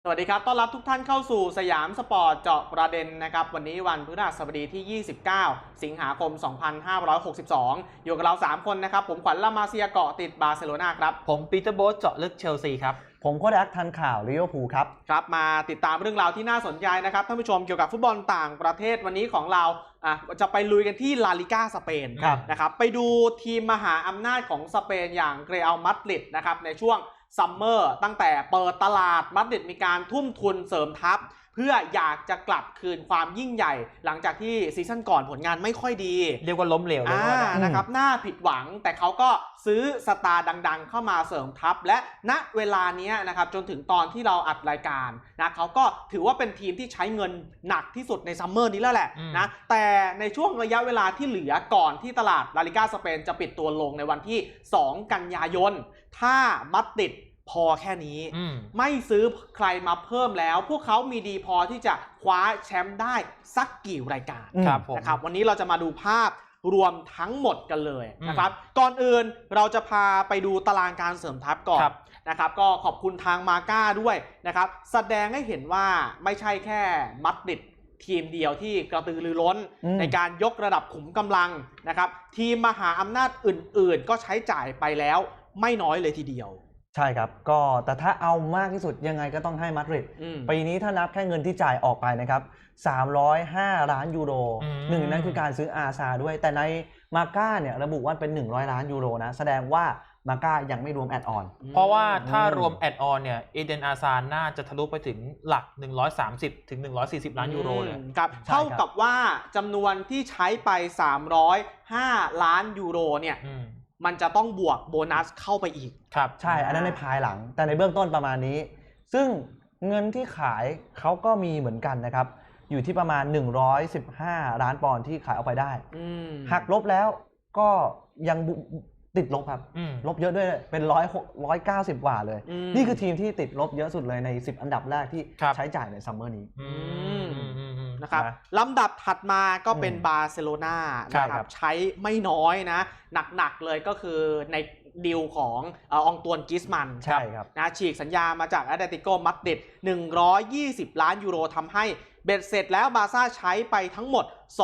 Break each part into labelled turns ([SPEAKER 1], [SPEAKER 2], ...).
[SPEAKER 1] สวัสดีครับต้อนรับทุกท่านเข้าสู่สยามสปอร์ตเจาะประเด็นนะครับวันนี้วันพฤหัสบดีที่ 29 สิงหาคม 2562 อยู่กับเรา 3 คนนะครับผมขวัญละมาเซียเกาะติดบาร์เซโลนาครับ
[SPEAKER 2] ผมปีเตอร์โบ๊ทเจาะลึกเชลซีครับ
[SPEAKER 3] ผมโค้ชแอคทันข่าวลิเวอร์พูลครับ
[SPEAKER 1] ครับมาติดตามเรื่องราวที่น่าสนใจนะครับท่านผู้ชมเกี่ยวกับฟุตบอลต่างประเทศวันนี้ของเราจะไปลุยกันที่ลาลิก้าสเปนนะครับไปดูทีมมหาอำนาจของสเปนอย่างเรอัลมาดริดนะครับในช่วงซัมเมอร์ตั้งแต่เปิดตลาดมาดริดมีการทุ่มทุนเสริมทัพเพื่ออยากจะกลับคืนความยิ่งใหญ่หลังจากที่ซีซั่นก่อนผลงานไม่ค่อยดี
[SPEAKER 2] เรียกว่าล้มเหลวเลย
[SPEAKER 1] นะครับน่าผิดหวังแต่เขาก็ซื้อสตาร์ดังๆเข้ามาเสริมทัพและณเวลานี้นะครับจนถึงตอนที่เราอัดรายการนะเขาก็ถือว่าเป็นทีมที่ใช้เงินหนักที่สุดในซัมเมอร์นี้แล้วแหละนะแต่ในช่วงระยะเวลาที่เหลือก่อนที่ตลาดลาลิก้าสเปนจะปิดตัวลงในวันที่2 กันยายนถ้ามัดริดพอแค่นี้ไม่ซื้อใครมาเพิ่มแล้วพวกเขามีดีพอที่จะคว้าแชมป์ได้สักกี่รายการนะครับวันนี้เราจะมาดูภาพรวมทั้งหมดกันเลยนะครับก่อนอื่นเราจะพาไปดูตารางการเสริมทัพก่อนนะครับก็ขอบคุณทางมาก้าด้วยนะครับแสดงให้เห็นว่าไม่ใช่แค่มัดริดทีมเดียวที่กระตือรือร้นในการยกระดับขุมกำลังนะครับทีมมหาอำนาจอื่นๆก็ใช้จ่ายไปแล้วไม่น้อยเลยทีเดียว
[SPEAKER 3] ใช่ครับก็แต่ถ้าเอามากที่สุดยังไงก็ต้องให้มาดริดปีนี้ถ้านับแค่เงินที่จ่ายออกไปนะครับ305 ล้านยูโรหนึ่งนั้นคือการซื้ออาซาด้วยแต่ในมาก้าเนี่ยระบุว่าเป็น100 ล้านยูโรนะแสดงว่ามาก้ายังไม่รวมแอดออน
[SPEAKER 2] เพราะว่าถ้ารวมแอดออนเนี่ยเอเดนอาซาน่าจะทะลุไปถึงหลัก130ถึง140 ล้านยูโรเลย
[SPEAKER 1] ครับเท่ากับว่าจำนวนที่ใช้ไป305 ล้านยูโรเนี่ยมันจะต้องบวกโบนัสเข้าไปอีก
[SPEAKER 3] ครับใช่อันนั้นในภายหลังแต่ในเบื้องต้นประมาณนี้ซึ่งเงินที่ขายเขาก็มีเหมือนกันนะครับอยู่ที่ประมาณ115 ล้านปอนด์ที่ขายออกไปได้หักลบแล้วก็ยังติดลบครับลบเยอะด้วยเป็น190 กว่าเลยนี่คือทีมที่ติดลบเยอะสุดเลยใน10 อันดับแรกที่ใช้จ่ายในซัมเมอร์นี้
[SPEAKER 1] นะครับลำดับถัดมาก็เป็นบาร์เซโลนานะครับใช้ไม่น้อยนะหนักๆเลยก็คือในดีลของอองตวนกิสมัน
[SPEAKER 3] ใช่ครับ
[SPEAKER 1] นะฉีกสัญญามาจากแอตเลติโกมาดริด120 ล้านยูโรทำให้เบ็ดเสร็จแล้วบาร์ซ่าใช้ไปทั้งหมด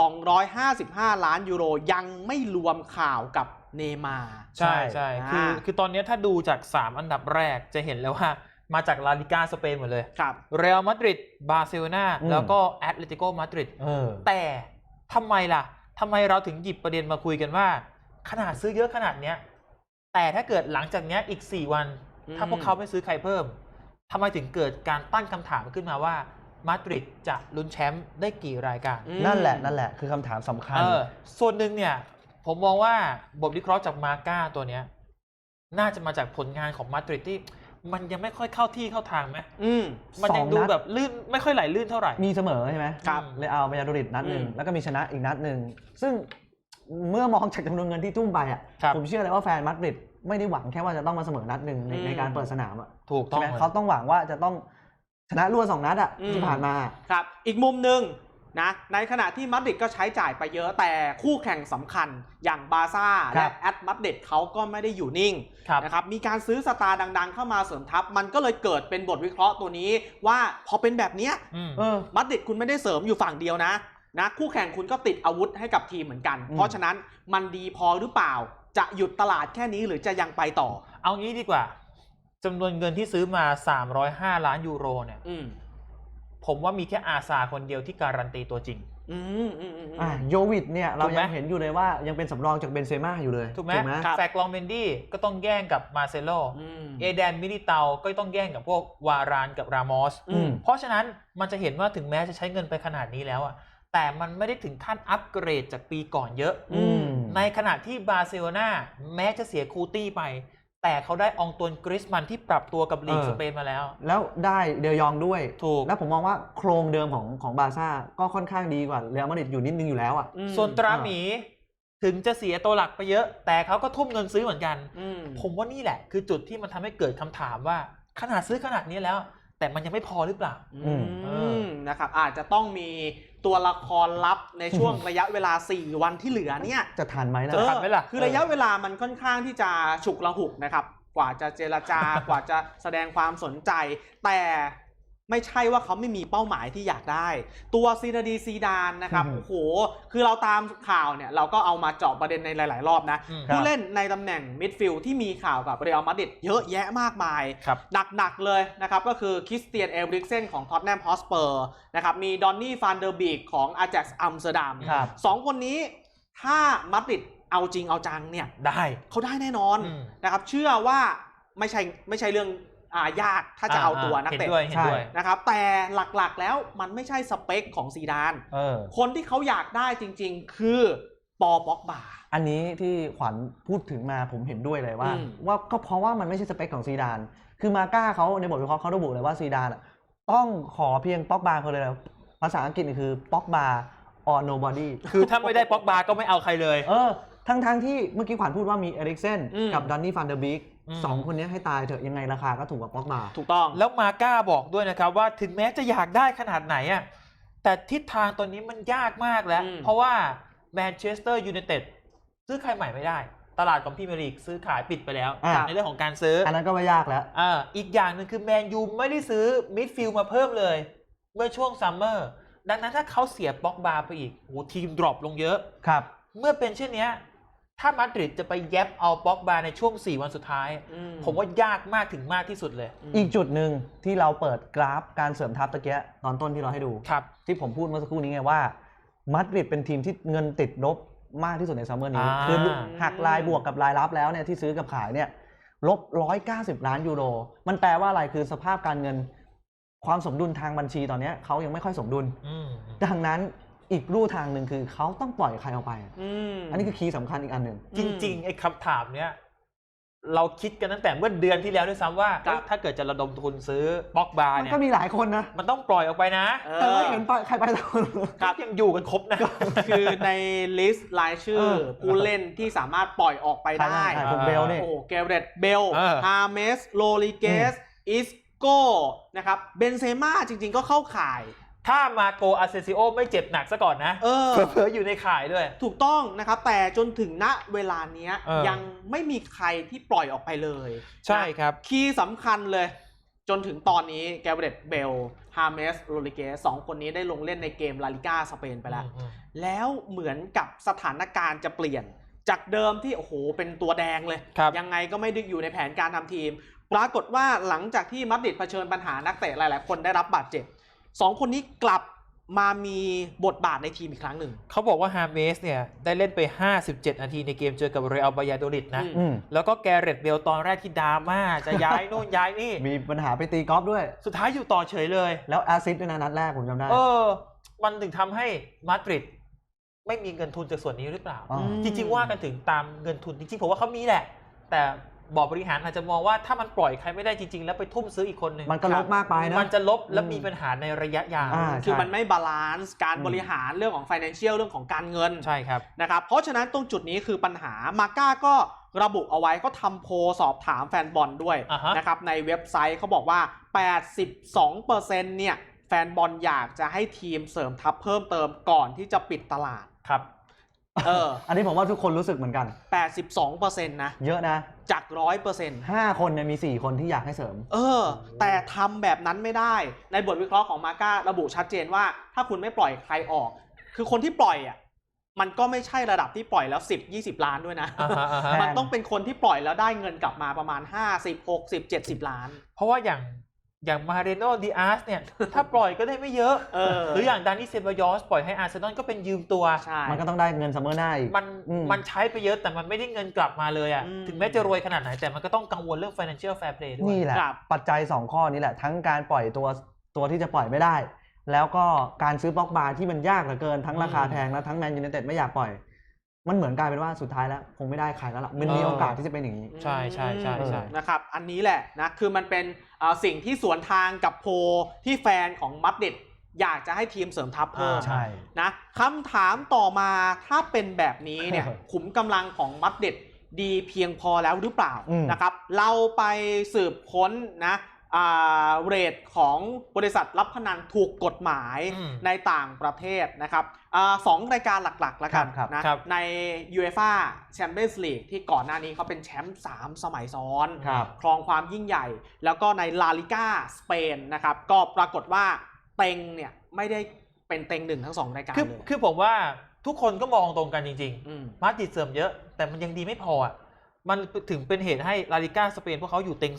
[SPEAKER 1] 255 ล้านยูโรยังไม่รวมข่าวกับเนม่า
[SPEAKER 2] ใช่คือตอนนี้ถ้าดูจาก3 อันดับแรกจะเห็นแล้วว่ามาจากลาลิก้าสเปนหมดเลยเรอัลมาดริดบาร์เซโลนาแล้วก็แอตเลติโกมาดริดแต่ทำไมเราถึงหยิบประเด็นมาคุยกันว่าขนาดซื้อเยอะขนาดเนี้ยแต่ถ้าเกิดหลังจากนี้อีก4 วันถ้าพวกเขาไม่ซื้อใครเพิ่มทำไมถึงเกิดการตั้งคำถามขึ้นมาว่ามาดริดจะลุ้นแชมป์ได้กี่รายการ
[SPEAKER 3] นั่นแหละคือคำถามสำคัญ
[SPEAKER 2] ส่วนหนึ่งเนี่ยผมมองว่าบทวิเคราะห์จากมาก้าตัวเนี้ยน่าจะมาจากผลงานของมาดริดที่มันยังไม่ค่อยเข้าที่เข้าทางไหมมันยังดูแบบลื่นไม่ค่อยไหลลื่นเท่าไหร่
[SPEAKER 3] มีเสมอใช่ไหม
[SPEAKER 1] ครับ
[SPEAKER 3] เลยเอาเบญาโดริดนัดหนึ่งแล้วก็มีชนะอีกนัดหนึ่งซึ่งเมื่อมองจากจำนวนเงินที่ทุ่มไปอ่ะผมเชื่อเลยว่าแฟนมาดริดไม่ได้หวังแค่ว่าจะต้องมาเสมอนัดหนึ่งในการเปิดสนามอ่ะ
[SPEAKER 2] ถูกต้อง
[SPEAKER 3] เขาต้องหวังว่าจะต้องชนะรวด2 นัดอ่ะที่ผ่านมา
[SPEAKER 1] ครับอีกมุมหนึ่งนะในขณะที่มาดริดก็ใช้จ่ายไปเยอะแต่คู่แข่งสำคัญอย่างบาร์ซ่าและแอตมาดริดเขาก็ไม่ได้อยู่นิ่งนะครับมีการซื้อสตาร์ดังๆเข้ามาเสริมทัพมันก็เลยเกิดเป็นบทวิเคราะห์ตัวนี้ว่าพอเป็นแบบนี้มาดริดคุณไม่ได้เสริมอยู่ฝั่งเดียวนะคู่แข่งคุณก็ติดอาวุธให้กับทีมเหมือนกันเพราะฉะนั้นมันดีพอหรือเปล่าจะหยุดตลาดแค่นี้หรือจะยังไปต่อ
[SPEAKER 2] เอางี้ดีกว่าจำนวนเงินที่ซื้อมา305 ล้านยูโรเนี่ยผมว่ามีแค่อาซาคนเดียวที่การันตีตัวจริง
[SPEAKER 3] โยวิชเนี่ยเรายังเห็นอยู่เลยว่ายังเป็นสำรองจากเบนเซม่าอยู่เลย
[SPEAKER 2] ถูกไหมแฟกลองเมนดี้ก็ต้องแย่งกับมาเซโลเอแดนมิลิเตาก็ต้องแย่งกับพวกวารานกับรามอสเพราะฉะนั้นมันจะเห็นว่าถึงแม้จะใช้เงินไปขนาดนี้แล้วอ่ะแต่มันไม่ได้ถึงขั้นอัปเกรดจากปีก่อนเยอะในขณะที่บาร์เซโลนาแม้จะเสียคูตี้ไปแต่เขาได้องตวนกริซมันที่ปรับตัวกับลีกสเปนมาแล้ว
[SPEAKER 3] ได้เดยองด้วย
[SPEAKER 2] ถูก
[SPEAKER 3] แล้วผมมองว่าโครงเดิมของบาร์ซ่าก็ค่อนข้างดีกว่าเรอัลมาดริดอยู่นิดนึงอยู่แล้วอ่ะ
[SPEAKER 2] ส่วนตราหมีถึงจะเสียตัวหลักไปเยอะแต่เขาก็ทุ่มเงินซื้อเหมือนกันผมว่านี่แหละคือจุดที่มันทำให้เกิดคำถามว่าขนาดซื้อขนาดนี้แล้วแต่มันยังไม่พอหรือเปล่า
[SPEAKER 1] นะครับอาจจะต้องมีตัวละครลับในช่วงระยะเวลา4 วันที่เหลือเนี่ย
[SPEAKER 3] จะทันไหมนะ
[SPEAKER 2] ทันไหมล่ะ
[SPEAKER 1] คือระยะเวลามันค่อนข้างที่จะฉุกละหุกนะครับกว่าจะเจรจากว่าจะแสดงความสนใจแต่ไม่ใช่ว่าเขาไม่มีเป้าหมายที่อยากได้ตัวซีนาดีซีดานนะครับโอ้โหคือเราตามข่าวเนี่ยเราก็เอามาเจาะประเด็นในหลายๆรอบนะผู้เล่นในตำแหน่งมิดฟิลด์ที่มีข่าวกับเรอัลมาดริดเยอะแยะมากมายหนักๆเลยนะครับก็คือคริสเตียนเอริกเซนของท็อตแนมฮอสเปอร์นะครับมีดอนนี่ฟานเดอร์บีกของอาแจ็กซ์อัมสเตอร์ดัม2 คนนี้ถ้ามาดริดเอาจริงเอาจังเนี่ยเขาได้แน่นอนนะครับเชื่อว่าไม่ใช่เรื่องยากถ้าจะเอาตัวนักเตะ
[SPEAKER 2] ใช่
[SPEAKER 1] นะครับแต่หลักๆแล้วมันไม่ใช่สเปคของซีดานคนที่เขาอยากได้จริงๆคือปอป็อกบา
[SPEAKER 3] อันนี้ที่ขวัญพูดถึงมาผมเห็นด้วยเลยว่าก็เพราะว่ามันไม่ใช่สเปคของซีดานคือมาก้าเขาในบทวิเคราะห์เขาระบุเลยว่าซีดานต้องขอเพียงป็อกบาคนเลยภาษาอังกฤษคือป็อกบา or nobody
[SPEAKER 2] คือถ้าไม่ได้ป็อกบาก็ไม่เอาใครเลย
[SPEAKER 3] ทั้งที่เมื่อกี้ขวัญพูดว่ามีเอริกเซนกับดอนนี่ฟานเดอร์บีก2 คนนี้ให้ตายเถอะยังไงราคาก็ถูกกว่าป็อกบา
[SPEAKER 1] ถูกต้อง
[SPEAKER 2] แล้วมาก้าบอกด้วยนะครับว่าถึงแม้จะอยากได้ขนาดไหนอ่ะแต่ทิศทางตอนนี้มันยากมากแล้วเพราะว่าแมนเชสเตอร์ยูไนเต็ดซื้อใครใหม่ไม่ได้ตลาดของพรีเมียร์ลีกซื้อขายปิดไปแล้วในเรื่องของการซื้อ
[SPEAKER 3] อันนั้นก็ไม่ยากแล้ว
[SPEAKER 2] อีกอย่างหนึ่งคือแมนยูไม่ได้ซื้อมิดฟิลด์มาเพิ่มเลยเมื่อช่วงซัมเมอร์ดังนั้นถ้าเขาเสียป็อกบาไปอีกโอ้ทีมดรอปลงเยอะ
[SPEAKER 3] ครับ
[SPEAKER 2] เมื่อเป็นเช่นนี้ถ้ามาดริดจะไปแยบเอาป็อกบาในช่วง4 วันสุดท้ายผมว่ายากมากถึงมากที่สุดเลย
[SPEAKER 3] อีกจุดหนึ่งที่เราเปิดกราฟการเสริมทัพตะเกียตอนต้นที่เราให้ดูที่ผมพูดเมื่อสักครู่นี้ไงว่ามาดริดเป็นทีมที่เงินติดลบมากที่สุดในซัมเมอร์นี้คือหักรายบวกกับรายรับแล้วเนี่ยที่ซื้อกับขายเนี่ยลบ190 ล้านยูโรมันแปลว่าอะไรคือสภาพการเงินความสมดุลทางบัญชีตอนนี้เขายังไม่ค่อยสมดุลดังนั้นอีกรูทางหนึ่งคือเขาต้องปล่อยใครออกไปอันนี้คือคีย์สำคัญอีกอันหนึ่ง
[SPEAKER 2] จริงๆไอ้คำถามเนี้ยเราคิดกันตั้งแต่เมื่อเดือนที่แล้วด้วยซ้ำว่าถ้าเกิดจะระดมทุนซื้อป็อกบาเนี่ย
[SPEAKER 3] มันก็มีหลายคนนะ
[SPEAKER 2] มันต้องปล่อยออกไปนะ
[SPEAKER 3] แต่ไม่เห็นใครไปทุก
[SPEAKER 2] คนยังอยู่กันครบนะ
[SPEAKER 1] คือในลิสต์รายชื่อผู้เล่นที่สามารถปล่อยออกไปได้
[SPEAKER 3] เบลนี่
[SPEAKER 1] โอ้เกเรตเบลฮาเมสโรลิเกสอิสโก้นะครับเบนเซม่าจริงๆก็เข้าข่าย
[SPEAKER 2] ถ้ามาโกอาเซซิโอไม่เจ็บหนักซะก่อนนะเผลออยู่ในข่ายด้วย
[SPEAKER 1] ถูกต้องนะครับแต่จนถึงณเวลานี้ยังไม่มีใครที่ปล่อยออกไปเลย
[SPEAKER 2] ใช่ครับ
[SPEAKER 1] คีย์สำคัญเลยจนถึงตอนนี้แกเบรตเบลฮาเมสโรลิเกส2 คนนี้ได้ลงเล่นในเกมลาลิก้าสเปนไปแล้วแล้วเหมือนกับสถานการณ์จะเปลี่ยนจากเดิมที่โอ้โหเป็นตัวแดงเลยยังไงก็ไม่ได้อยู่ในแผนการทำทีมปรากฏว่าหลังจากที่มาดริดเผชิญปัญหานักเตะหลายๆคนได้รับบาดเจ็บ2 คนนี้กลับมามีบทบาทในทีมอีกครั้งหนึ่ง
[SPEAKER 2] เขาบอกว่าฮาเมสเนี่ยได้เล่นไป57 นาทีในเกมเจอกับเรอัลบายาโดลิดนะแล้วก็แกเรตเบลตอนแรกที่ดราม่าจะย้ายโน่นย้ายนี่
[SPEAKER 3] มีปัญหาไปตีกอล์ฟด้วย
[SPEAKER 2] สุดท้ายอยู่ต่อเฉยเลย
[SPEAKER 3] แล้วแอสซิสต์ด้วยนะนัดแรกผมจำได้
[SPEAKER 2] มันถึงทำให้มาดริดไม่มีเงินทุนจากส่วนนี้หรือเปล่าจริงๆว่ากันถึงตามเงินทุนจริงๆผมว่าเขามีแหละแต่บอร์ดบริหารอาจจะมองว่าถ้ามันปล่อยใครไม่ได้จริงๆแล้วไปทุ่มซื้ออีกคนหนึ่ง
[SPEAKER 3] มันก็ลบมากไปนะ
[SPEAKER 2] มันจะลบและมีปัญหาในระยะยาว
[SPEAKER 1] คือมันไม่บาลานซ์การบริหารเรื่องของ financial เรื่องของการเงิน
[SPEAKER 2] ใช่ครับ
[SPEAKER 1] นะครับเพราะฉะนั้นตรงจุดนี้คือปัญหามาก้าก็ระบุเอาไว้ก็ทำโพลสอบถามแฟนบอลด้วยนะครับในเว็บไซต์เขาบอกว่า 82% เนี่ยแฟนบอลอยากจะให้ทีมเสริมทัพเพิ่มเติมก่อนที่จะปิดตลาด
[SPEAKER 2] ครับ
[SPEAKER 3] อันนี้ผมว่าทุกคนรู้สึกเหมือนกัน
[SPEAKER 1] 82% นะ
[SPEAKER 3] เยอะนะ
[SPEAKER 1] จาก 100%
[SPEAKER 3] 5 คนเนี่ยมี4 คนที่อยากให้เสริม
[SPEAKER 1] แต่ทำแบบนั้นไม่ได้ในบทวิเคราะห์ของมาก้าระบุชัดเจนว่าถ้าคุณไม่ปล่อยใครออกคือคนที่ปล่อยมันก็ไม่ใช่ระดับที่ปล่อยแล้ว10-20 ล้านด้วยนะมันต้องเป็นคนที่ปล่อยแล้วได้เงินกลับมาประมาณ50-60-70 ล้าน
[SPEAKER 2] เพราะว่าอย่างมาเรโนดิอาสเนี่ยถ้าปล่อยก็ได้ไม่เยอะหรืออย่างดานิเซบายอสปล่อยให้อาร์เซนอลก็เป็นยืมตัว
[SPEAKER 3] มันก็ต้องได้เงินซัมเมอร์หน้าอีก
[SPEAKER 2] มันใช้ไปเยอะแต่มันไม่ได้เงินกลับมาเลยถึงแม้จะรวยขนาดไหนแต่มันก็ต้องกังวลเรื่อง financial fair play ด้วย
[SPEAKER 3] นี่แหละปัจจัย2 ข้อนี้แหละทั้งการปล่อยตัวที่จะปล่อยไม่ได้แล้วก็การซื้อป็อกบาที่มันยากเหลือเกินทั้งราคาแพงแล้วทั้งแมนยูไนเต็ดไม่อยากปล่อยมันเหมือนกลายเป็นว่าสุดท้ายแล้วคงไม่ได้ใครแล้วล่ะมันมีโอกาสที่จะเป็นอย่างนี้
[SPEAKER 2] ใช่ใช่ใช่ใช่
[SPEAKER 1] นะครับอันนี้แหละนะคือมันเป็นสิ่งที่สวนทางกับโพที่แฟนของมาดริดอยากจะให้ทีมเสริมทัพเพิ่มนะคำถามต่อมาถ้าเป็นแบบนี้เนี่ยขุมกำลังของมาดริดดีเพียงพอแล้วหรือเปล่านะครับเราไปสืบค้นนะเรทของบริษัทรับพนันถูกกฎหมาย ในต่างประเทศนะครับสองรายการหลักๆแล้วกันนะใน UEFA Champions League ที่ก่อนหน้านี้เขาเป็นแชมป์3สมัยซ้อนครองความยิ่งใหญ่แล้วก็ในลาลิก้าสเปนนะครับก็ปรากฏว่าเต็งเนี่ยไม่ได้เป็นเต็งหนึ่งทั้ง2รายการเลย
[SPEAKER 2] คือผมว่าทุกคนก็มองตรงกันจริงๆมาดริดเสริมเยอะแต่มันยังดีไม่พออ่ะมันถึงเป็นเหตุให้ลาลิก้าสเปนพวกเขาอยู่เต็ง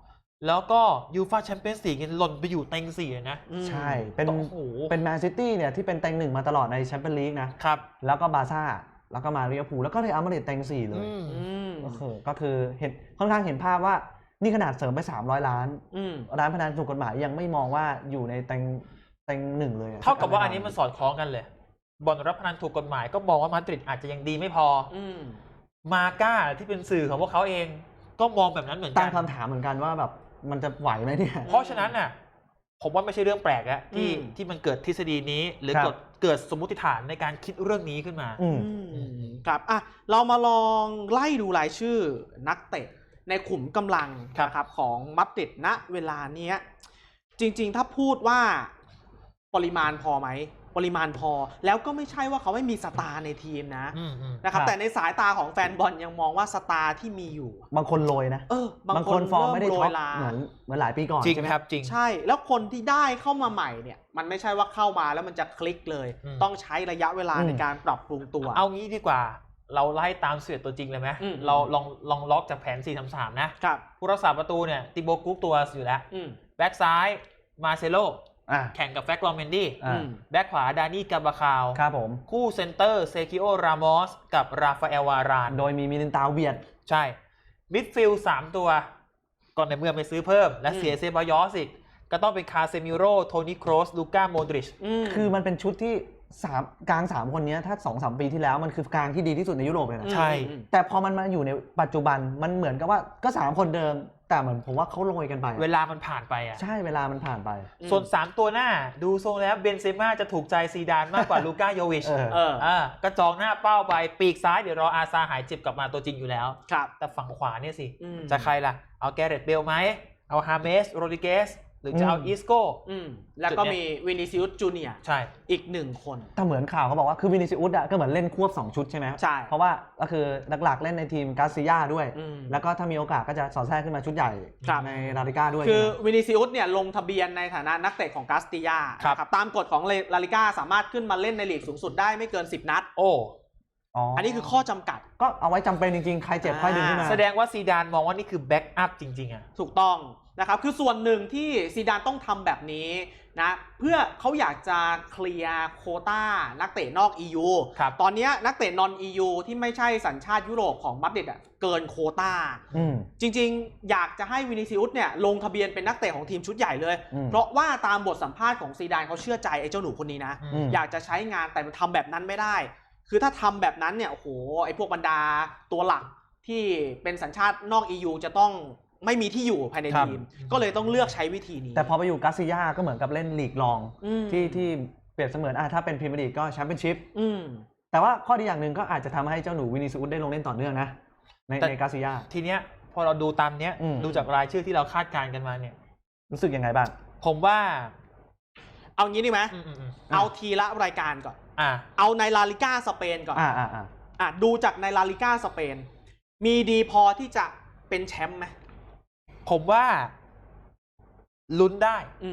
[SPEAKER 2] 2แล้วก็ยูฟ่าแชมเปี้ยนส์ลีกหล่นไปอยู่เต็ง4เลยนะ
[SPEAKER 3] ใช่เป็นแมนซิตี้เนี่ยที่เป็นเต็ง1มาตลอดในแชมเปี้ยนลีกนะครับแล้วก็บาร์ซ่าแล้วก็มาลิเวอร์พูลแล้วก็เรอัลมาดริดเต็ง4เลยก็คือเห็นค่อนข้างเห็นภาพว่านี่ขนาดเสริมไป300 ล้านร้านพนันถูกกฎหมายยังไม่มองว่าอยู่ในเต็ง1เลย
[SPEAKER 2] เท่ากับว่าอันนี้มันสอดคล้องกันเลยบ่อนรับพนันถูกกฎหมายก็มองว่ามาดริดอาจจะยังดีไม่พอมาก้าที่เป็นสื่อของพวกเขาเองก็มองแบบนั้นเหมือนกัน
[SPEAKER 3] ตั้งคำถามเหมือนกันว่าแบบมันจะไหวไหมเนี่ย
[SPEAKER 2] เพราะฉะนั้นน่ะผมว่าไม่ใช่เรื่องแปลกแล้วที่มันเกิดทฤษฎีนี้หรือเกิดสมมุติฐานในการคิดเรื่องนี้ขึ้นมา
[SPEAKER 1] ครับเรามาลองไล่ดูรายชื่อนักเตะในขุมกำลังนะครับของมาดริดณเวลานี้จริงๆถ้าพูดว่าปริมาณพอไหมปริมาณพอแล้วก็ไม่ใช่ว่าเขาไม่มีสตาร์ในทีมนะครับแต่ในสายตาของแฟนบอลยังมองว่าสตาร์ที่มีอยู่
[SPEAKER 3] บางคนโรยนะบางคนฟอร์มไม่ได้ท็อปเหมือนหลายปีก่อน
[SPEAKER 2] จริงครับจริง
[SPEAKER 1] ใช่แล้วคนที่ได้เข้ามาใหม่เนี่ยมันไม่ใช่ว่าเข้ามาแล้วมันจะคลิกเลยต้องใช้ระยะเวลาในการปรับปรุงตัว
[SPEAKER 2] เอางี้ดีกว่าเราไล่ตามเสือตัวจริงเลยไหมเราลองล็อกจากแผน 4-3-3 นะผู้รักษาประตูเนี่ยติโบกุ๊กตัวอยู่แล้วแบ็กซ้ายมาเซโลแข่งกับแฟกลอมเมนดี้แบ็กขวาดานี่กาบาคาว
[SPEAKER 3] ครับผม
[SPEAKER 2] คู่เซนเตอร์เซคิโอรามอสกับราฟาเอลวาราน
[SPEAKER 3] โดยมีมิลินตาเวียด
[SPEAKER 2] ใช่มิดฟิลด์3ตัวก่อนในเมื่อไปซื้อเพิ่มและเสียเซบายอสอีกก็ต้องเป็นคาเซมิโร่โทนี่โครสลูก้าโมดริช
[SPEAKER 3] คือมันเป็นชุดที่กลาง3คนนี้ถ้า 2-3 ปีที่แล้วมันคือกลางที่ดีที่สุดในยุโรปเลยนะ
[SPEAKER 2] ใช่
[SPEAKER 3] แต่พอมันมาอยู่ในปัจจุบันมันเหมือนกับว่าก็3คนเดิมแต่เหมือนผมว่าเขาโรยกันไป
[SPEAKER 2] เวลามันผ่านไป
[SPEAKER 3] ใช่เวลามันผ่านไป
[SPEAKER 2] ส่วน3ตัวหน้าดูทรงแล้วเบนเซม่าจะถูกใจซีดานมากกว่าลูก้าโยวิชกระจองหน้าเป้าไปปีกซ้ายเดี๋ยวรออาซาหายเจ็บกลับมาตัวจริงอยู่แล้วแต่ฝั่งขวาเนี่ยสิจะใครล่ะเอาแกเรตเบลไหมเอาฮาเมสโรดิเกสหรือจะเอาอีสโก้
[SPEAKER 1] แล้วก็มีวินิซิอุสจูเนียร์
[SPEAKER 2] ใช่
[SPEAKER 1] อีก1คน
[SPEAKER 3] แต่เหมือนข่าวเขาบอกว่าคือวินิซิอุสก็เหมือนเล่นควบ2ชุดใช่ไหม
[SPEAKER 1] ใช่
[SPEAKER 3] เพราะว่าก็คือหลักๆเล่นในทีมกาซิยาด้วยแล้วก็ถ้ามีโอกาสก็จะสอดแทรกขึ้นมาชุดใหญ่ในลาลิก้าด้วย
[SPEAKER 1] คือวินิซิอุสเนี่ยลงทะเบียนในฐานะนักเตะของกาสติยาครับตามกฎของลาลิก้าสามารถขึ้นมาเล่นในลีกสูงสุดได้ไม่เกิน10 นัดอันนี้คือข้อจำกัด
[SPEAKER 3] ก็เอาไว้จำเป็นจริงๆใครเจ็บค่อยดึงขึ้นมา
[SPEAKER 2] แสดงว่าซีดานมองว่านี่คือแบ็กอัพจริงๆ
[SPEAKER 1] ถูกต้องนะครับคือส่วนหนึ่งที่ซีดานต้องทำแบบนี้นะเพื่อเขาอยากจะเคลียร์โควต้านักเตะนอก EU ตอนนี้นักเตะนอน EU ที่ไม่ใช่สัญชาติยุโรปของมาดริดเกินโควต้าจริงๆอยากจะให้วินิซิอุสเนี่ยลงทะเบียนเป็นนักเตะของทีมชุดใหญ่เลยเพราะว่าตามบทสัมภาษณ์ของซีดานเขาเชื่อใจไอ้เจ้าหนูคนนี้นะอยากจะใช้งานแต่มันทำแบบนั้นไม่ได้คือถ้าทำแบบนั้นเนี่ยโอ้โหไอ้พวกบรรดาตัวหลักที่เป็นสัญชาตินอก EU จะต้องไม่มีที่อยู่ภายในทีมก็เลยต้องเลือกใช้วิธีนี้
[SPEAKER 3] แต่พอไปอยู่กาซิยาก็เหมือนกับเล่นลีกรองที่เปรียบเสมือนถ้าเป็นพรีเมียร์ลีกก็แชมเปี้ยนชิพแต่ว่าข้อดีอย่างหนึ่งก็อาจจะทำให้เจ้าหนูวินิซิอุสได้ลงเล่นต่อเนื่องนะในกาซิยา
[SPEAKER 2] ทีเนี้ยพอเราดูตามเนี้ยดูจากรายชื่อที่เราคาดการณ์กันมาเนี่ย
[SPEAKER 3] รู้สึกยังไงบ้าง
[SPEAKER 2] ผมว่า
[SPEAKER 1] เอางี้ดีไหมเอาทีละรายการก่อนเอาในลาลิก้าสเปนก่อนดูจากในลาลิก้าสเปนมีดีพอที่จะเป็นแชมป์ไหม
[SPEAKER 2] ผมว่าลุ้นได้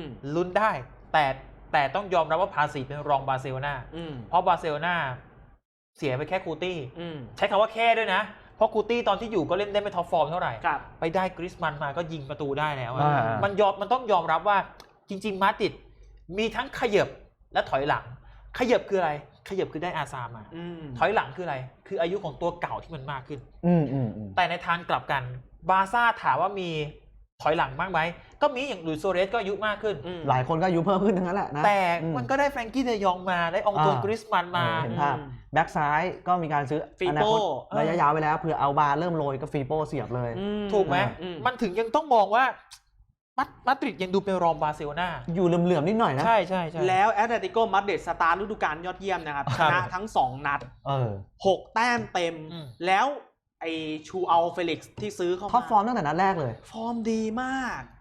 [SPEAKER 2] แต่ต้องยอมรับว่าภาษีเป็นรองบาร์เซโลนาเพราะบาร์เซโลนาเสียไปแค่คูตี้ใช้คำว่าแค่ด้วยนะเพราะคูตี้ตอนที่อยู่ก็เล่นได้ไม่ท็อปฟอร์มเท่าไหร่ไปได้กริซมันมาก็ยิงประตูได้แล้วมันต้องยอมรับว่าจริงๆมาดริดมีทั้งขยับและถอยหลังขยับคืออะไรขยับคือได้อาซามาถอยหลังคืออะไรคืออายุของตัวเก่าที่มันมากขึ้นแต่ในทางกลับกันบาร์ซ่าถามว่ามีถอยหลังมากไหมก็มีอย่างลุยส์ โซเรสก็อายุมากขึ้น
[SPEAKER 3] หลายคนก็อายุเพิ่มขึ้นทั้งนั้นแหละนะ
[SPEAKER 2] แต่มันก็ได้แฟรงกี้เดยองมาได้องตัวกริซมันมา
[SPEAKER 3] เห็นภาพแบ็กซ้ายก็มีการซื้อ
[SPEAKER 1] อนาคต
[SPEAKER 3] ระยะยาวไปแล้วเผื่อเอาบาเริ่มโรยก็ฟีโป้เสียบเลย
[SPEAKER 2] ถูกไหมมันถึงยังต้องมองว่ามาดริดยังดูเป็นรองบาร์เซโลนา
[SPEAKER 3] อยู่เหลื่อมๆนิดหน่อยนะ
[SPEAKER 2] ใช่
[SPEAKER 1] แล้วแอตเลติโกมาดริดสตาร์ฤดูกาลยอดเยี่ยมนะครับชนะทั้ง2 นัด6 แต้มเต็มแล้วไอชูอัลเฟลิกซ์ที่ซื้อเข้ามา
[SPEAKER 3] ท็อปฟอร์มตั้งแต่นัดแรกเลย
[SPEAKER 1] ฟอร์มดีมาก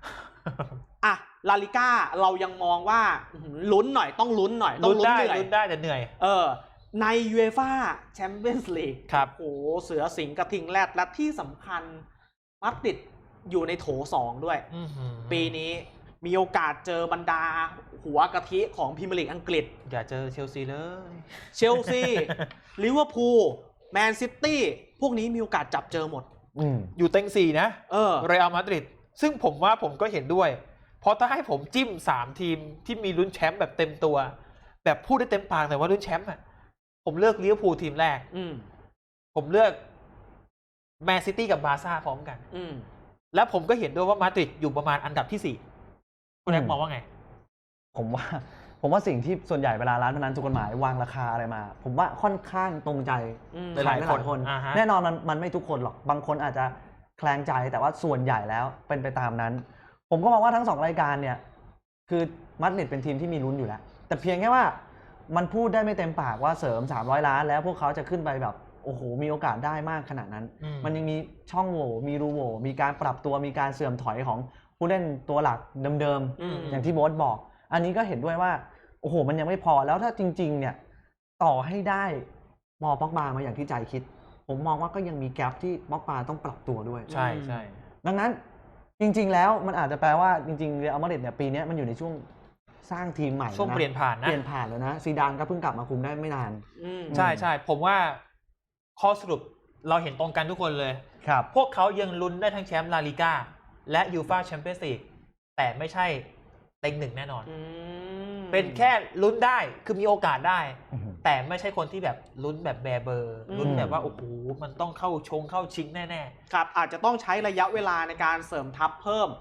[SPEAKER 1] อ่ะลาลิก้าเรายังมองว่าลุ้นหน่อยต้องลุ้นหน่อยต้องลุ้นเหนื่อย
[SPEAKER 2] ลุ้นได้แต่เหนื่อย
[SPEAKER 1] ในยูเอฟ่าแชมเปี้ยนส์ลีก
[SPEAKER 2] ครับ
[SPEAKER 1] โอ้เสือสิงห์กระทิงแรดและที่สำคัญมาดริดอยู่ในโถ2ด้วยปีนี้มีโอกาสเจอบรรดาหัวกะทิของพรีเมียร์ลีกอังกฤษ
[SPEAKER 2] อย่าเจอเชลซีเลย
[SPEAKER 1] เชลซี ลิเวอร์พูลแมนซิตี้พวกนี้มีโอกาสจับเจอหมด
[SPEAKER 2] อยู่เต็ง4นะเรอัลมาดริดซึ่งผมว่าผมก็เห็นด้วยเพราะถ้าให้ผมจิ้ม3ทีมที่มีลุ้นแชมป์แบบเต็มตัวแบบพูดได้เต็มปากแต่ว่าลุ้นแชมป์อ่ะผมเลือกลิเวอร์พูลทีมแรกผมเลือกแมนซิตี้กับบาร์ซ่าพร้อมกันแล้วผมก็เห็นด้วยว่ามาดริดอยู่ประมาณอันดับที่4คุณแอ๊กมองว่าไง
[SPEAKER 3] ผมว่าสิ่งที่ส่วนใหญ่เวลาร้านพนันถูกกฎหมายวางราคาอะไรมาผมว่าค่อนข้างตรงใจ
[SPEAKER 2] หลายคน
[SPEAKER 3] แน่นอนมันไม่ทุกคนหรอกบางคนอาจจะแคลงใจแต่ว่าส่วนใหญ่แล้วเป็นไปตามนั้นผมก็มองว่าทั้ง2รายการเนี่ยคือมาดริดเป็นทีมที่มีลุ้นอยู่แล้วแต่เพียงแค่ว่ามันพูดได้ไม่เต็มปากว่าเสริม300 ล้านแล้วพวกเขาจะขึ้นไปแบบโอ้โหมีโอกาสได้มากขนาดนั้นมันยังมีช่องโหว่มีรูโหว่มีการปรับตัวมีการเสื่อมถอยของผู้เล่นตัวหลักเดิมๆอย่างที่โบ๊ทบอกอันนี้ก็เห็นด้วยว่าโอ้โหมันยังไม่พอแล้วถ้าจริงๆเนี่ยต่อให้ได้มอป็อกบามาอย่างที่ใจคิดผมมองว่าก็ยังมีแกลบที่ป็อกบาต้องปรับตัวด้วย
[SPEAKER 2] ใช่ใช่
[SPEAKER 3] ดังนั้นจริงๆแล้วมันอาจจะแปลว่าจริงๆเรอัลมาดริดเนี่ยปีนี้มันอยู่ในช่วงสร้างทีมใหม่
[SPEAKER 2] ช่วงเปลี่ยนผ่าน
[SPEAKER 3] แล้วนะซีดานก็เพิ่งกลับมาคุมได้ไม่นาน
[SPEAKER 2] ใช่ใช่ผมว่าข้อสรุปเราเห็นตรงกันทุกคนเลย
[SPEAKER 3] ครับ
[SPEAKER 2] พวกเขายังลุ้นได้ทั้งแชมป์ลาลิก้าและยูฟ่าแชมเปี้ยนส์ลีกแต่ไม่ใช่เต็ง1แน่นอนเป็นแค่ลุ้นได้คือมีโอกาสได้แต่ไม่ใช่คนที่แบบลุ้นแบบแบเบอร์ลุ้นแบบว่าโอ้โหมันต้องเข้าชิงแน่
[SPEAKER 1] ๆครับอาจจะต้องใช้ระยะเวลาในการเสริมทัพเพิ่ม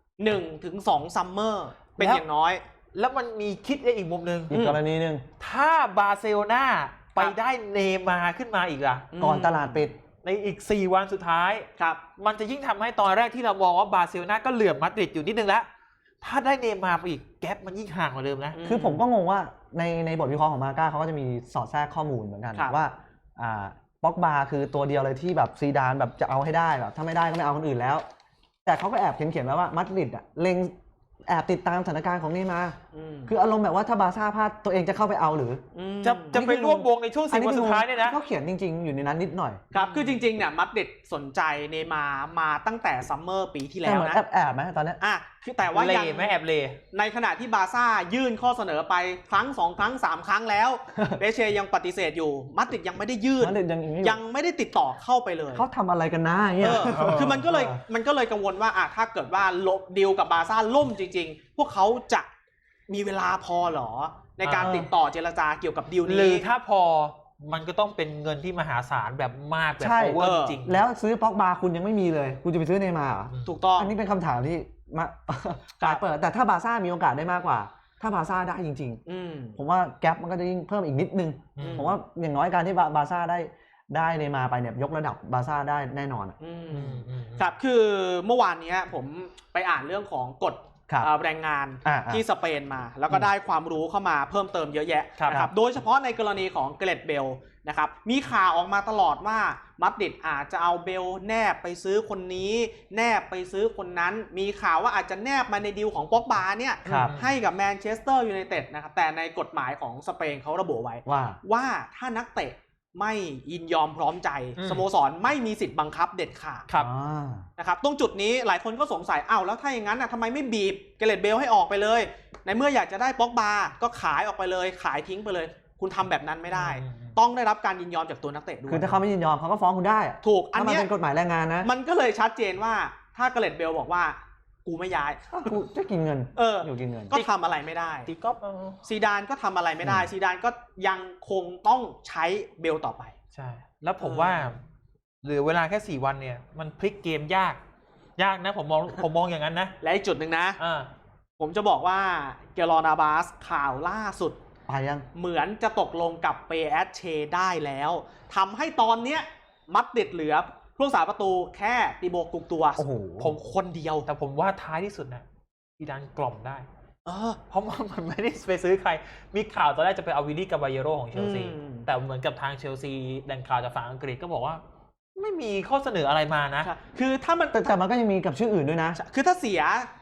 [SPEAKER 1] 1-2 ซัมเมอร์เป็นอย่างน้อย
[SPEAKER 2] แล้วมันมีคิดได้อีกมุมนึง
[SPEAKER 3] อีกกรณีนึง
[SPEAKER 2] ถ้าบาร์เซโลนาไปได้เนย์มาร์ขึ้นมาอีกล่ะ
[SPEAKER 3] ก่อนตลาดปิด
[SPEAKER 2] ในอีก4 วันสุดท้าย
[SPEAKER 1] ครับ
[SPEAKER 2] มันจะยิ่งทำให้ตอนแรกที่เรามองว่าบาร์เซโลนาก็เหลื่อมมาดริดอยู่นิดนึงแล้วถ้าได้เนย์มาร์ไปอีกแกปมันยิ่งห่างกว่าเดิมนะ
[SPEAKER 3] คือผมก็งงว่าในบทวิเคราะห์ของมาก้าเขาก็จะมีสอดแทรกข้อมูลเหมือนกันว่าป็อกบาคือตัวเดียวเลยที่แบบซีดานแบบจะเอาให้ได้แบบถ้าไม่ได้ก็ไม่เอาคนอื่นแล้วแต่เขาก็แอบเขียนไว้ว่ามาดริดเล็งแอบติดตามสถานการณ์ของเนย์มาร์คืออารมณ์แบบว่าถ้าบาร์ซ่าพลาดตัวเองจะเข้าไปเอาหรือ
[SPEAKER 2] จะไปร่วมวงในช่วง10 วันสุดท้ายเนี่ยนะ
[SPEAKER 3] เขาเขียนจริงๆอยู่ในนั้นนิดหน่อย
[SPEAKER 1] ครับคือจริงๆเนี่ยมาดริดสนใจเนย์มาร์มาตั้งแต่ซัมเมอร์ปีที่แล้วนะ
[SPEAKER 3] แอบไหมตอนนี้
[SPEAKER 1] คือแต่ว่ายัง
[SPEAKER 2] ไม่แอบเล
[SPEAKER 1] ในขณะที่บาร์ซ่ายื่นข้อเสนอไปครั้ง2 ครั้ง 3 ครั้งแล้วเบเชยังปฏิเสธอยู่มาดริดยังไม่ได้ยื่นยังไม่ได้ติดต่อเข้าไปเลย
[SPEAKER 3] เขาทำอะไรกันนะเงี้ย
[SPEAKER 1] คือมันก็เลยกังวลว่าถ้าเกิดว่าลบดีลกับบาร์ซ่าล่มจริงๆพวกเขาจะมีเวลาพอหรอในการติดต่อเจรจาเกี่ยวกับดีลนี้
[SPEAKER 2] หรือถ้าพอมันก็ต้องเป็นเงินที่มหาศาลแบบมากแบบโอเวอร์จริง
[SPEAKER 3] แล้วซื้อป็อกบาคุณยังไม่มีเลยคุณจะไปซื้อเนย์มาร์เหรอ
[SPEAKER 1] ถูกต้อง
[SPEAKER 3] อันนี้เป็นคำถามที่มาเปิดแต่ถ้าบาร์ซ่ามีโอกาสได้มากกว่าถ้าบาร์ซ่าได้จริงๆผมว่าแกปมันก็จะยิ่งเพิ่มอีกนิดนึงผมว่าอย่างน้อยการที่บาร์ซ่าได้เนย์มาร์ไปเนี่ยยกระดับบาร์ซ่าได้แน่นอน
[SPEAKER 1] ครับคือเมื่อวานนี้ผมไปอ่านเรื่องของกฎแรงงานที่สเปนมาแล้วก็ได้ความรู้เข้ามาเพิ่มเติมเยอะแยะนะครับโดยเฉพาะในกรณีของเกเรตเบลนะครับมีข่าวออกมาตลอดว่ามาดริดอาจจะเอาเบลแนบไปซื้อคนนี้แนบไปซื้อคนนั้นมีข่าวว่าอาจจะแนบมาในดีลของป็อกบาเนี่ยให้กับแมนเชสเตอร์ยูไนเต็ดนะครับแต่ในกฎหมายของสเปนเขาระบุไว้ว่าถ้านักเตะไม่ยินยอมพร้อมใจสโมสรไม่มีสิทธิ์บังคับเด็ดขาดนะครับตรงจุดนี้หลายคนก็สงสัยแล้วถ้าอย่างนั้นทำไมไม่บีบเกเรตเบลให้ออกไปเลยในเมื่ออยากจะได้ป็อกบาก็ขายออกไปเลยขายทิ้งไปเลยคุณทำแบบนั้นไม่ได้ต้องได้รับการยินยอมจากตัวนักเตะด้วย
[SPEAKER 3] คือถ้าเขาไม่ยินยอมเขาก็ฟ้องคุณได้
[SPEAKER 1] ถูกอันนี้
[SPEAKER 3] เป็นกฎหมายแรงงานนะ
[SPEAKER 1] มันก็เลยชัดเจนว่าถ้าเกเรตเบลบอกว่ากูไม่ย้าย
[SPEAKER 3] กูจะกินเงินอยู่กินเงิน
[SPEAKER 1] ก็ทำอะไรไม่ได้
[SPEAKER 2] ตีก๊อฟ
[SPEAKER 1] ซีดานก็ทำอะไรไม่ได้ซีดานก็ยังคงต้องใช้เบลต่อไป
[SPEAKER 2] ใช่แล้วผมว่าเหลือเวลาแค่4 วันเนี่ยมันพลิกเกมยากนะผมมองอย่างนั้นนะ
[SPEAKER 1] และอีกจุดหนึ่งนะผมจะบอกว่าเกลอนาบาสข่าวล่าสุด
[SPEAKER 3] ไปยัง
[SPEAKER 1] เหมือนจะตกลงกับเปแอสเชได้แล้วทำให้ตอนเนี้ยมัดเด็ดเหลือผู้รักษาประตูแค่ติโบกุกตัวผมคนเดียว
[SPEAKER 2] แต่ผมว่าท้ายที่สุดนะซีดานกล่อมได้เพราะมันไม่ได้ไปซื้อใครมีข่าวตอนแรกจะไปเอาวิลลี่กาบาเยโรของเชลซีแต่เหมือนกับทางเชลซีแหล่งข่าวจากฝั่งอังกฤษก็บอกว่าไม่มีข้อเสนออะไรมานะ
[SPEAKER 3] คือถ้ามันแต่มันก็ยังมีกับชื่ออื่นด้วยนะ
[SPEAKER 1] คือถ้าเสีย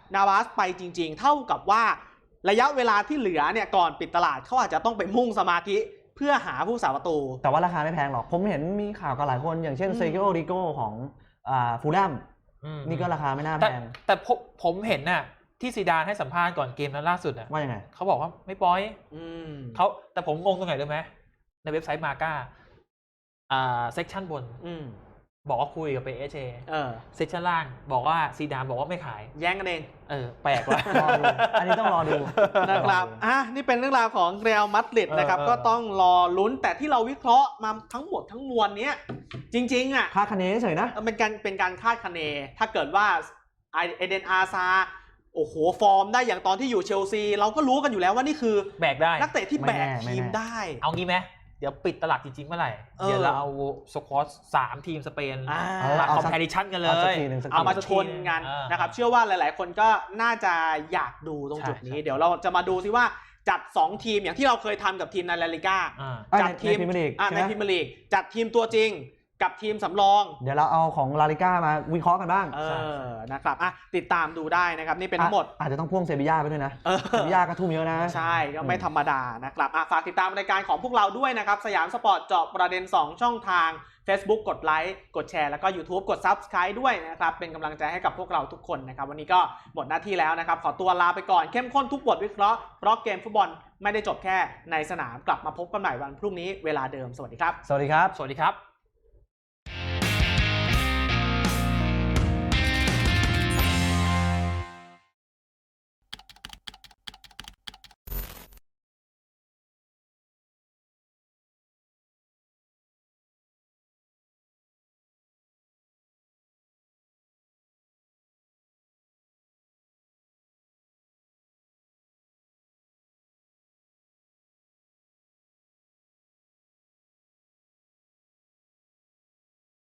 [SPEAKER 1] นาวาสไปจริงๆเท่ากับว่าระยะเวลาที่เหลือเนี่ยก่อนปิดตลาดเขาอาจจะต้องไปมุ่งสมาธิเพื่อหาผู้สาประตู
[SPEAKER 3] แต่ว่าราคาไม่แพงหรอกผมเห็นมีข่าวกับหลายคนอย่างเช่นเซกิโอริโกของฟูลแลมนี่ก็ราคาไม่น่าแพง
[SPEAKER 2] แต่ผมเห็นน่ะที่ซีดานให้สัมภาษณ์ก่อนเกมนั้นล่าสุดน่ะ
[SPEAKER 3] ว่ายังไง
[SPEAKER 2] เขาบอกว่าไม่ปล่อยเขาแต่ผมงงตรงไหนรู้ไหมในเว็บไซต์มาก้าเซกชันบนบอกว่าคุยกับเปเชเซกชันล่างบอกว่าซีดานบอกว่าไม่ขาย
[SPEAKER 1] แย่งกันเอง
[SPEAKER 2] แปลกว่ะ
[SPEAKER 3] อันนี้ต้องรอดู
[SPEAKER 1] นะครับนี่เป็นเรื่องราวของเรอัลมาดริดนะครับก็ต้องรอลุ้นแต่ที่เราวิเคราะห์มาทั้งหมดทั้งมวลนี้จริงๆ
[SPEAKER 3] คาดคะเนเฉยนะ
[SPEAKER 1] เป็นการคาดคะเนถ้าเกิดว่าเอเดนอาซาโอ้โหฟอร์มได้อย่างตอนที่อยู่เชลซีเราก็รู้กันอยู่แล้วว่านี่คือ
[SPEAKER 2] แบกได้
[SPEAKER 1] นักเตะที่แบกทีมได้
[SPEAKER 2] เอางี้ไหมเดี๋ยวปิดตลาดจริงๆเมื่อไหร่เดี๋ยวเราเอาสควอต3 ทีมสเปนมาคอมเพลชันกันเลย
[SPEAKER 1] เอามาชนกันนะครับเชื่อว่าหลายๆคนก็น่าจะอยากดูตรงจุดนี้เดี๋ยวเราจะมาดูซิว่าจัด2ทีมอย่างที่เราเคยทำกับทีมในลาลิก้าจัดทีมในพรีเมียร์ลีกจัดทีมตัวจริงกับทีมสำรอง
[SPEAKER 3] เดี๋ยวเราเอาของลาลิก้ามาวิเคราะห์กันบ้าง
[SPEAKER 1] นะครับติดตามดูได้นะครับนี่เป็นทั้งหมด
[SPEAKER 3] อาจจะต้องพ่วงเซบีย่าไปด้วยนะเซบีย่าก็ทุ่มเยอะนะ
[SPEAKER 1] ใช่ก็ไม่ธรรมดานะครับฝากติดตามรายการของพวกเราด้วยนะครับสยามสปอร์ตเจาะประเด็น2ช่องทาง Facebook กดไลค์กดแชร์แล้วก็ YouTube กด Subscribe ด้วยนะครับเป็นกำลังใจให้กับพวกเราทุกคนนะครับวันนี้ก็หมดหน้าที่แล้วนะครับขอตัวลาไปก่อนเข้มข้นทุกบทวิเคราะห์เพราะเกมฟุตบอลไม่ได้จบแค่ในสนามกลับมาพบกันใหม่วันพรุ่งนี้เวลาเดิมสวัสดีครับ
[SPEAKER 3] สวัสดีครับ
[SPEAKER 2] สวัสดีครับ